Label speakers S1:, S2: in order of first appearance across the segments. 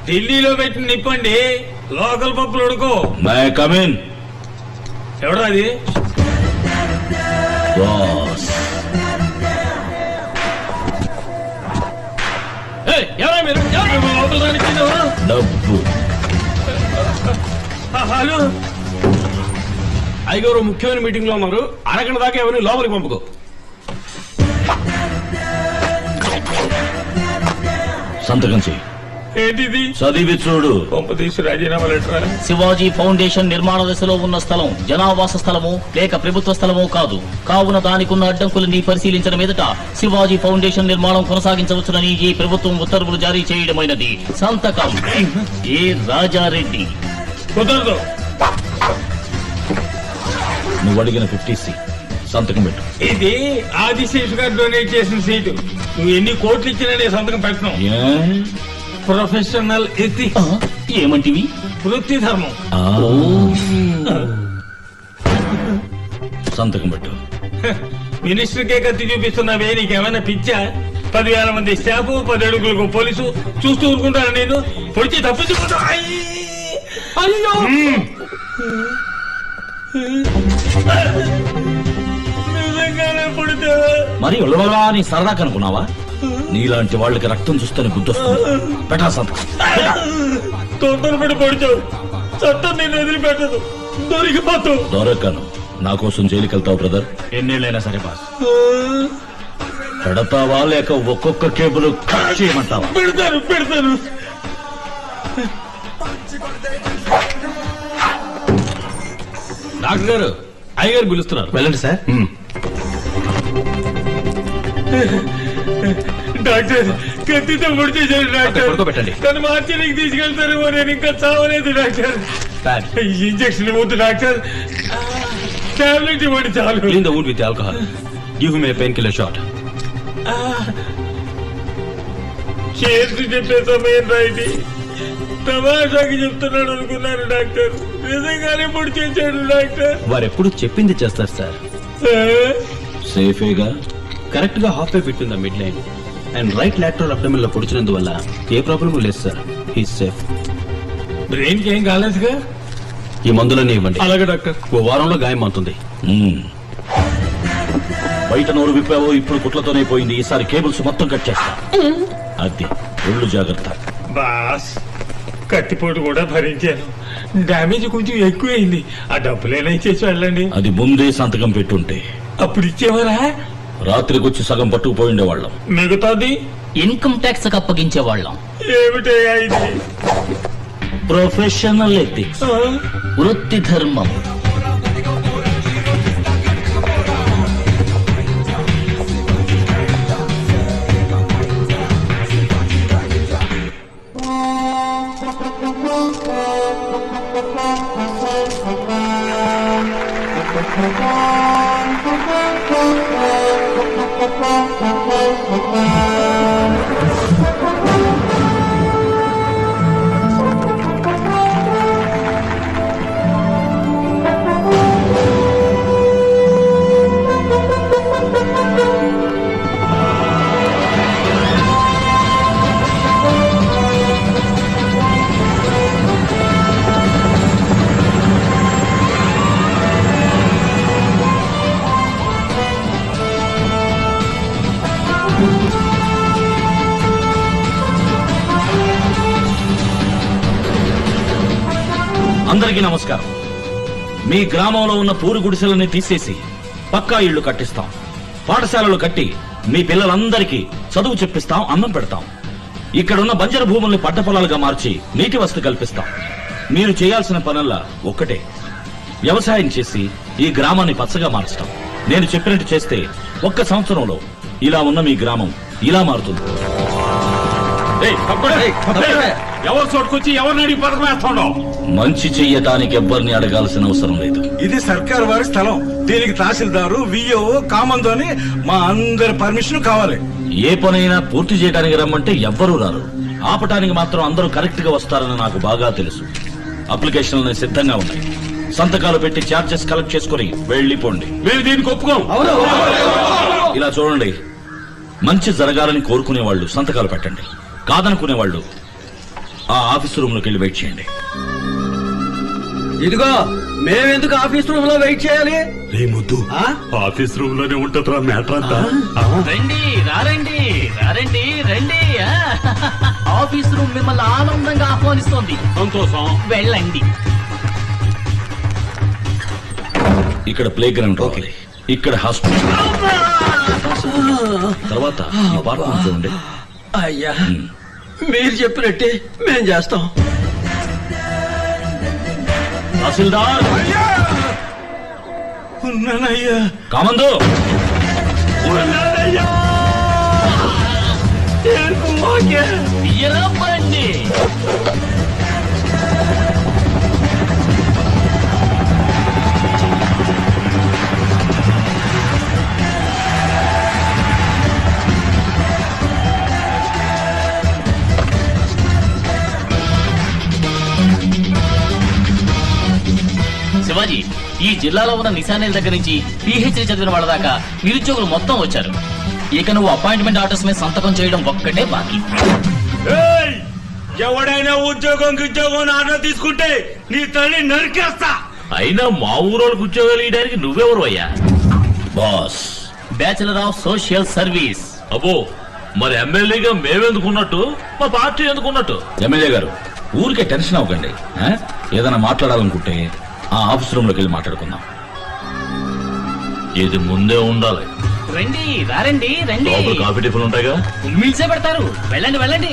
S1: ఢిల్లీలో పెట్టి నిప్పండి, లోకల్ పప్పులు ఉడుకో.
S2: May come in.
S1: ఎవడా అది?
S2: బాస్.
S1: ఎవరా మీరు? లోపల రానిచ్చింది ఎవరు?
S2: డబ్బు.
S1: హలో,
S3: అయ్యగారు ముఖ్యమైన మీటింగ్ లో ఉన్నారు, అరగంట దాకా ఎవరిని లోపలికి పంపుకో.
S2: సంతకం చెయ్యి.
S1: ఏంటిది?
S2: చదివి చూడు.
S1: పంపతీసి రాజీనామా లెటర్.
S4: శివాజీ ఫౌండేషన్ నిర్మాణ దశలో ఉన్న స్థలం జనావాస స్థలము లేక ప్రభుత్వ స్థలమో కాదు. కావున దానికున్న అడ్డంకులని పరిశీలించిన మీదట శివాజీ ఫౌండేషన్ నిర్మాణం కొనసాగించవచ్చునని ఈ ప్రభుత్వం ఉత్తర్వులు జారీ చేయడమైనది. సంతకం ఏ రాజారెడ్డి.
S1: కుదరదు.
S2: నువ్వు అడిగిన 50C సంతకం పెట్టు.
S1: ఇది ఆదిశేషు గారు డొనేట్ చేసిన సీటు. నువ్వు ఎన్ని కోట్లు ఇచ్చినా నేను సంతకం పెట్టను. Professional ethics.
S4: ఏమంటివి?
S1: వృత్తి ధర్మం.
S2: సంతకం పెట్టు.
S1: మినిస్టర్ కే కత్తి చూపిస్తున్నావే, నీకేమైనా పిచ్చా? 10,000 మంది స్టాఫ్, 10 అడుగులకు పోలీసు చూస్తూ ఊరుకుంటాను. నేను పొడిచి తప్పించుకుంటా. అయ్యో, నిజంగానే పొడితే
S2: మరి ఉలవలా అని సరదా కనుకున్నావా? నీలాంటి వాళ్ళకి రక్తం చూస్తేనే గుర్తొస్తుంది. పెట్టా సంతకం.
S1: తొందరపడి పొడిచావు. చట్టం నేను వదిలిపెట్టదు. దొరికిపోతావు.
S2: దొరకను. నా కోసం జైలుకి వెళ్తావు బ్రదర్.
S3: ఎన్నేళ్ళైనా సరే బాస్.
S2: పెడతావా లేక ఒక్కొక్క కేబుల్ కట్ చేయమంటావా?
S1: పెడతాను.
S3: డాక్టర్ గారు, అయ్యగారు పిలుస్తున్నారు, వెళ్ళండి సార్.
S1: డాక్టర్, కత్తితో పొడిచేశారు డాక్టర్.
S3: పడుకోబెట్టండి.
S1: తను మార్చికి తీసుకెళ్తారేమో, నేను ఇంకా చావలేదు డాక్టర్. ఇంజక్షన్ ఇవ్వద్దు డాక్టర్, టాబ్లెట్ ఇవ్వండి చాలు.
S3: Clean the wound with alcohol. Give him a painkiller shot.
S1: చేసి చెప్పే సమయం రైట్. తమాషాకి చెప్తున్నాడు అనుకున్నాను డాక్టర్. నిజంగానే పొడి చేశాడు డాక్టర్.
S3: వారు ఎప్పుడు చెప్పింది చేస్తారు సార్.
S2: సేఫేగా.
S3: కరెక్ట్ గా halfway fit in the midline and right lateral abdomen లో పొడిచినందువల్ల ఏ ప్రాబ్లం లేదు సార్. He's safe.
S1: బ్రెయిన్ కి ఏం కాలేదుగా?
S3: ఈ మందులన్నీ ఇవ్వండి.
S1: అలాగే డాక్టర్.
S3: ఓ వారంలో గాయం అవుతుంది.
S2: బయట నోరు విప్పావో ఇప్పుడు కుట్లతోనే పోయింది. ఈసారి కేబుల్స్ మొత్తం కట్ చేస్తా. అది ఒళ్ళు జాగ్రత్త.
S1: బాస్, కత్తిపోటు కూడా భరించాను. డామేజ్ కొంచెం ఎక్కువైంది. ఆ డబ్బులేనా ఇచ్చేసి వెళ్ళండి.
S2: అది ముందే సంతకం పెట్టుంటే
S1: అప్పుడు ఇచ్చేవారా?
S2: రాత్రికొచ్చి సగం పట్టుకుపోయిండే వాళ్ళం.
S1: మిగతాది
S4: ఇన్కమ్ ట్యాక్స్ అప్పగించే వాళ్ళం.
S1: ఏమిటయ్యా ఇది?
S4: ప్రొఫెషనల్ ఎథిక్స్, వృత్తి ధర్మం.
S2: అందరికీ నమస్కారం. మీ గ్రామంలో ఉన్న పూరు గుడిసెలని తీసేసి పక్కా ఇళ్లు కట్టిస్తాం. పాఠశాలలు కట్టి మీ పిల్లలందరికీ చదువు చెప్పిస్తాం, అన్నం పెడతాం. ఇక్కడున్న బంజరు భూముల్ని పంట పొలాలుగా మార్చి నీటి వసతి కల్పిస్తాం. మీరు చేయాల్సిన పనుల్లా ఒక్కటే, వ్యవసాయం చేసి ఈ గ్రామాన్ని పచ్చగా మార్చడం. నేను చెప్పినట్టు చేస్తే ఒక్క సంవత్సరంలో ఇలా ఉన్న మీ గ్రామం ఇలా మారుతుంది.
S1: ఎవరు చోటుకొచ్చి ఎవరిని అడిగి పథకం వేస్తాడు?
S2: మంచి చెయ్యటానికి ఎవ్వరిని అడగాల్సిన అవసరం లేదు.
S5: ఇది సర్కార్ వారి స్థలం. దీనికి తహసీల్దారు, విఓ, కామందో అని మా అందరి పర్మిషన్ కావాలి.
S2: ఏ పనైనా పూర్తి చేయడానికి రమ్మంటే ఎవ్వరూ రారు. ఆపటానికి మాత్రం అందరూ కరెక్ట్ గా వస్తారని నాకు బాగా తెలుసు. అప్లికేషన్లు సిద్ధంగా ఉన్నాయి. సంతకాలు పెట్టి చార్జెస్ కలెక్ట్ చేసుకుని వెళ్ళిపోండి.
S1: మేము దీనికి ఒప్పుకోం.
S2: ఇలా చూడండి, మంచి జరగాలని కోరుకునే వాళ్ళు సంతకాలు పెట్టండి, కాదనుకునే వాళ్ళు ఆ ఆఫీస్ రూమ్ లోకి వెళ్ళి వెయిట్ చేయండి.
S6: ఇదిగో మేమెందుకు ఆఫీస్ రూమ్ లో వెయిట్ చేయాలి?
S5: రే ముద్దు, ఆఫీస్ రూమ్ లోనే ఉంటుందిరా మ్యాటర్ అంతా.
S4: రండి రారండి రారండి రండి ఆఫీస్ రూమ్ మిమ్మల్ని ఆనందంగా ఆహ్వానిస్తోంది.
S3: సంతోషం.
S4: వెళ్ళండి.
S2: ఇక్కడ ప్లే గ్రౌండ్ రావాలి, ఇక్కడ హాస్పిటల్, తర్వాత ఈ పార్క్ చూడండి.
S6: అయ్యా మీరు చెప్పినట్టే మేం చేస్తాం.
S4: తహసీల్దార్
S5: ఉన్నానయ్యా.
S2: కామందు,
S5: ఉన్నానయ్యా.
S4: తీయరా బండి. శివాజీ, ఈ జిల్లాలో ఉన్న నిశానేల దగ్గర నుంచి పిహెచ్డి చదివిన వాళ్ళ దాకా నిరుద్యోగులు మొత్తం వచ్చారు. ఇక నువ్వు అపాయింట్మెంట్ ఆర్డర్స్ మీద సంతకం చేయడం ఒక్కటే బాకీ.
S5: ఏయ్! ఎవడైనా ఉద్యోగం ఆర్డర్ తీసుకుంటే నీ తల్లి నరికేస్తా.
S2: అయినా మా ఊరోళ్ళకి ఉద్యోగాలు ఇవ్వడానికి నువ్వెవరు అయ్యా? Boss.
S4: Bachelor of social service.
S2: అబ్బో, మరి ఎమ్మెల్యేగా మేమెందుకున్నట్టు, మా పార్టీ ఎందుకున్నట్టు? ఎమ్మెల్యే గారు, ఊరికే టెన్షన్ అవ్వకండి. ఏదైనా మాట్లాడాలనుకుంటే ఆ ఆఫీస్ రూమ్ లోకి వెళ్ళి మాట్లాడుకుందాం. ఇది ముందే ఉండాలి.
S4: రండి రారండి రండి.
S2: కాఫీ టిఫిన్ ఉంటాయిగా,
S4: మిల్సే పెడతారు. వెళ్ళండి వెళ్ళండి.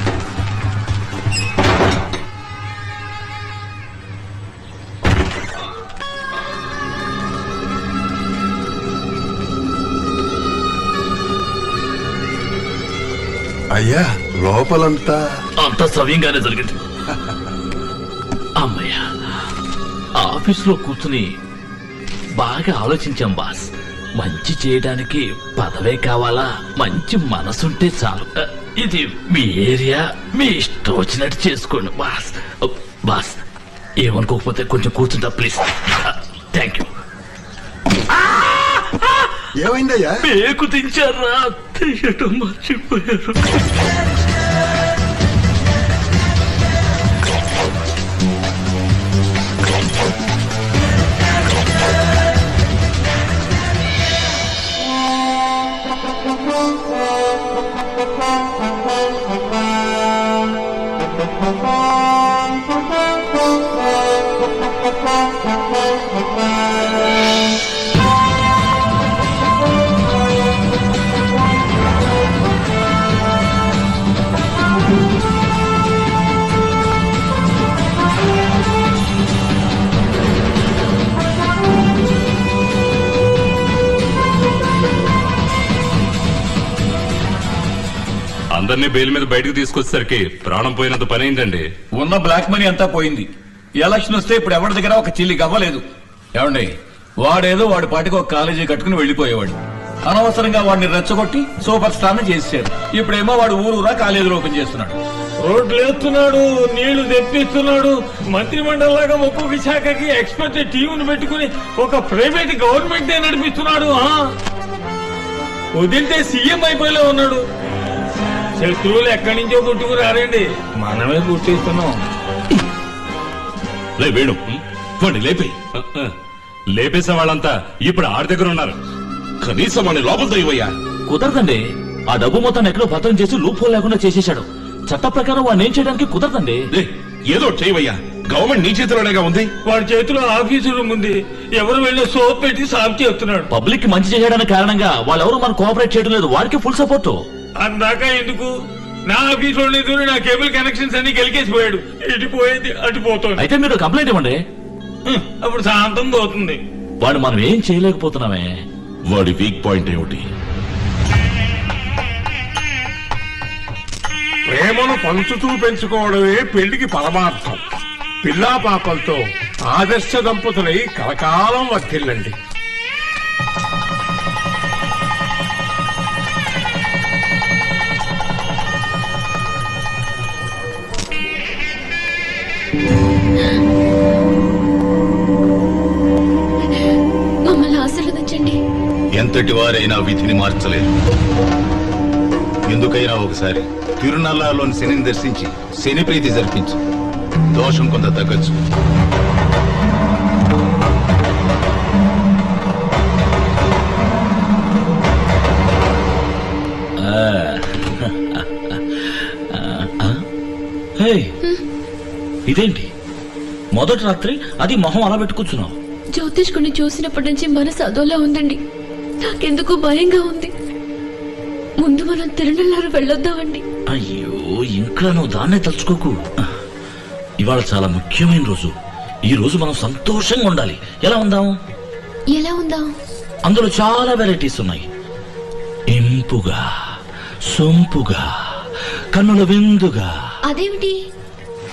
S7: అయ్యా లోపలంతా
S2: అంత సవ్యంగానే జరిగింది. అమ్మయ్య, ఆఫీస్ లో కూర్చుని బాగా ఆలోచించాం బాస్. మంచి చేయడానికి పదవే కావాలా, మంచి మనసుంటే చాలు. ఇది మీ ఏరియా, మీ ఇష్టం వచ్చినట్టు చేసుకోండి బాస్. బాస్ ఏమనుకోకపోతే కొంచెం కూర్చుంటా ప్లీజ్. Thank you.
S7: ఏమైందయ్యా?
S2: పేకు దించారా? తీయటం మర్చిపోయారు.
S8: అందరినీ బెయిల్ మీద బయటకు తీసుకొచ్చేసరికి ప్రాణం పోయినంత పని అయిందండి.
S9: ఉన్న బ్లాక్ మనీ అంతా పోయింది. ఎలక్షన్ వస్తే ఇప్పుడు ఎవరి దగ్గర ఒక చిల్లి గవ్వలేదు. ఏమండి, వాడేదో వాడి పాటికి ఒక కాలేజీ కట్టుకుని వెళ్లిపోయేవాడు. అనవసరంగా వాడిని రెచ్చగొట్టి సూపర్ స్టార్ ని చేసేశారు. ఇప్పుడేమో వాడు ఊరూరా కాలేజీలు ఓపెన్ చేస్తున్నాడు.
S1: రోడ్లు వేస్తున్నాడు, నీళ్లు తెప్పిస్తున్నాడు. మంత్రి మండలిలాగా ఒక్కొక్క శాఖకి ఎక్స్పర్ట్ టీంను పెట్టుకుని ఒక ప్రైవేట్ గవర్నమెంట్ నడిపిస్తున్నాడు. వదిలితే సీఎం అయిపోయేలా ఉన్నాడు. శత్రువులు ఎక్కడి నుంచో పుట్టుకు రారండి, మనమే పుట్టిస్తున్నాం.
S8: వేణు వాడిని లేపే. లేపేసే వాళ్ళంతా ఇప్పుడు ఆడి దగ్గర ఉన్నారు. కనీసం వాడిని లోపలతో ఇవ్వయ్యా.
S2: కుదరదండి. ఆ డబ్బు మొత్తాన్ని ఎక్కడో భద్రం చేసి లూప్ హోల్ లేకుండా చేసేశాడు. చట్ట ప్రకారం వాడిని ఏం చేయడానికి కుదరదండి.
S8: ఏదో చేయవయ్యా, గవర్నమెంట్ నీ చేతిలోనేగా ఉంది.
S1: వాడి చేతిలో ఆఫీసు రూమ్ ఉంది. ఎవరు వెళ్ళి సోప్ పెట్టి సాఫ్ చేస్తున్నాడు.
S2: పబ్లిక్ కి మంచి చేయడానికి కారణంగా వాళ్ళెవరూ మనం కోఆపరేట్ చేయడం లేదు. వాడికి ఫుల్ సపోర్ట్.
S1: అందాక ఎందుకు? నా ఆఫీస్ లో నా కేబుల్ కనెక్షన్స్ అన్ని గెలికేసిపోయాడు. ఇటు పోయేది అటు పోతుంది.
S2: అయితే మీరు కంప్లైంట్ ఇవ్వండి.
S1: అప్పుడు శాంతం పోతుంది.
S2: వాడు మనం ఏం చేయలేకపోతున్నామే.
S8: వాడి వీక్ పాయింట్ ఏమిటి?
S5: ప్రేమను పంచుతూ పెంచుకోవడమే పెళ్లికి పరమార్థం. పిల్లా పాపలతో ఆదర్శ దంపతులై కలకాలం వర్తిల్లండి.
S10: మమ్మల్ని ఆశీర్వదించండి.
S7: ఎంతటి వారైనా విధిని మార్చలేరు.
S10: ఎందుకైనా ఒకసారి తిరునల్లాలోని శనిని దర్శించి శని ప్రీతి జరిపించు. దోషం కొంత తగ్గచ్చు.
S2: హే, ఇదేంటి మొదటి రాత్రి అది మొహం అలా పెట్టుకొచ్చున్నావు?
S11: జ్యోతిష్కుని చూసినప్పటి నుంచి మనసు అదోలా ఉందండి. నాకెందుకు భయంగా ఉంది. ముందు మనం తిరునల్లారు వెళ్ళొద్దామండి.
S2: అయ్యో, ఇంకా నువ్వు దాన్నే తలుచుకోకు. ఇవాళ చాలా ముఖ్యమైన రోజు. ఈ రోజు మనం సంతోషంగా ఉండాలి. ఎలా ఉందాం?
S11: ఎలా ఉందాం?
S2: అందులో చాలా వెరైటీస్ ఉన్నాయి. ఇంపుగా, సొంపుగా, కన్నుల విందుగా.
S11: అదేమిటి?